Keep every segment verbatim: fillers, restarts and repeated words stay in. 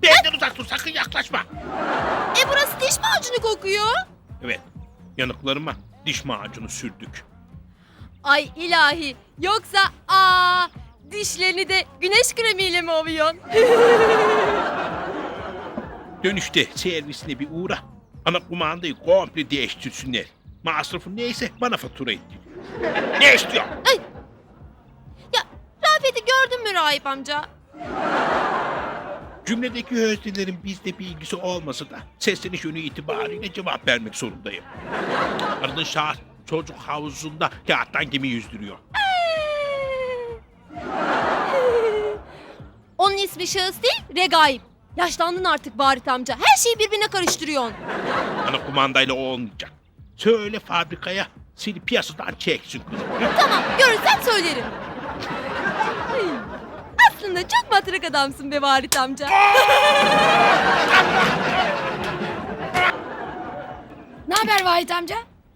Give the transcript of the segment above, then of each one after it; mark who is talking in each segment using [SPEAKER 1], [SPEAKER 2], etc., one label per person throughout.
[SPEAKER 1] Benden uzak dur, sakın yaklaşma.
[SPEAKER 2] E burası diş macunu kokuyor.
[SPEAKER 1] Evet, yanıklarıma diş macunu sürdük.
[SPEAKER 2] Ay ilahi. Yoksa aa dişlerini de güneş kremiyle mi ovuyorsun?
[SPEAKER 1] Dönüşte servisine bir uğra. Ana kumandayı komple değiştirsinler. Masrafı neyse bana fatura ettir. Ne istiyor?
[SPEAKER 2] Ya Rafet'i gördün mü Rahip amca?
[SPEAKER 1] Cümledeki öznelerin bizde bir ilgisi olmasa da sesleniş yönü itibariyle cevap vermek zorundayım. Aradığın şahıs çocuk havuzunda kağıttan gemi yüzdürüyor.
[SPEAKER 2] Onun ismi şahıs değil, Regaip. Yaşlandın artık Barit amca. Her şeyi birbirine karıştırıyorsun.
[SPEAKER 1] Ana kumandayla o olmayacak. Söyle fabrikaya seni piyasadan çeksin kızım.
[SPEAKER 2] Tamam, görürsen söylerim. Ay, aslında çok matrak adamsın be Barit amca.
[SPEAKER 3] Ne haber Vahit amca?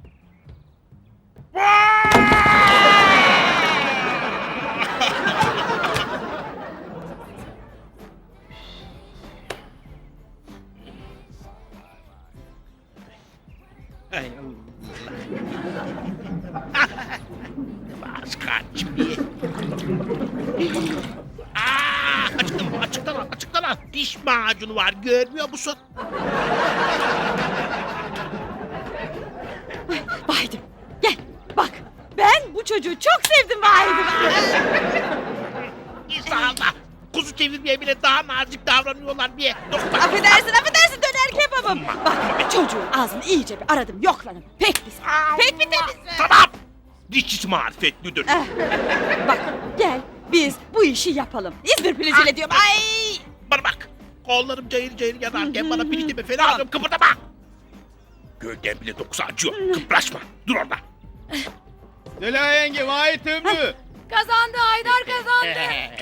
[SPEAKER 1] Ay Allah. Bas kaç bir. Aa, açıktan al, açıktan al, açıktan al. Diş macunu var, görmüyor musun?
[SPEAKER 3] Vahit'im gel bak. Ben bu çocuğu çok sevdim Vahit'im.
[SPEAKER 1] İnşallah. Kuzu çevirmeye bile daha nazik davranıyorlar diye. Doktor.
[SPEAKER 3] affedersin affedersin döner kebabım. Bak çocuğun ağzını iyice bir aradım yokladım. Pek pis. Pek bir temiz.
[SPEAKER 1] Tamam. Dişçisi marifetlidir.
[SPEAKER 3] Eh, bak gel biz bu işi yapalım. İzmir pilinciyle diyorum. Ay.
[SPEAKER 1] Bana bak. Kollarım cayır cayır yanarken bana piliç deme fena alıyorum, kıpırdama. Gölgen bile dokusu acıyor. Kıpraşma. Dur orada.
[SPEAKER 4] Zeliha yenge, Vahit Ümmü.
[SPEAKER 2] Kazandı, Haydar kazandı.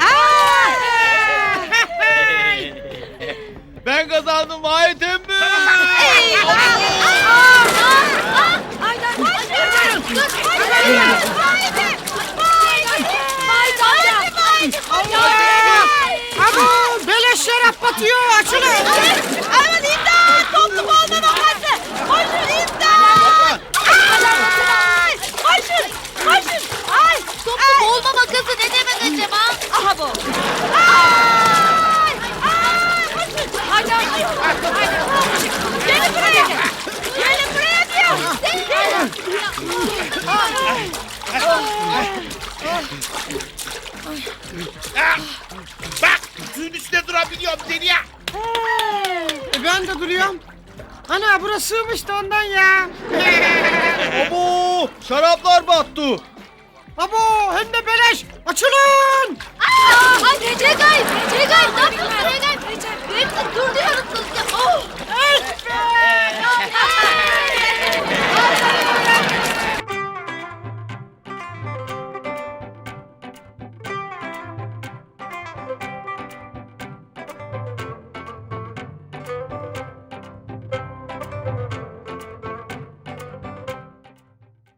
[SPEAKER 4] Ben kazandım Vahit Ümmü.
[SPEAKER 2] Haydar,
[SPEAKER 5] Aman beleş şarap batıyor, açılın.
[SPEAKER 3] Aman imdat! Toplum olma babası! Koşun imdat! Ay! Koşun! Koşun! Ay!
[SPEAKER 2] Toplu boğulma makası ne demek acaba?
[SPEAKER 3] Aha bu! Ay! Ay! Koşun!
[SPEAKER 2] Haydar,
[SPEAKER 3] Gelin buraya! Gelin buraya diyorum!
[SPEAKER 1] Ah! Bak, suyun üstünde durabiliyorum Zeliha.
[SPEAKER 5] E, ben de duruyorum. Ana burası sığmıştı ondan ya.
[SPEAKER 4] Abo, şaraplar battı.
[SPEAKER 5] Abo hem de beleş, açılın.
[SPEAKER 2] Aa, ay Regaip,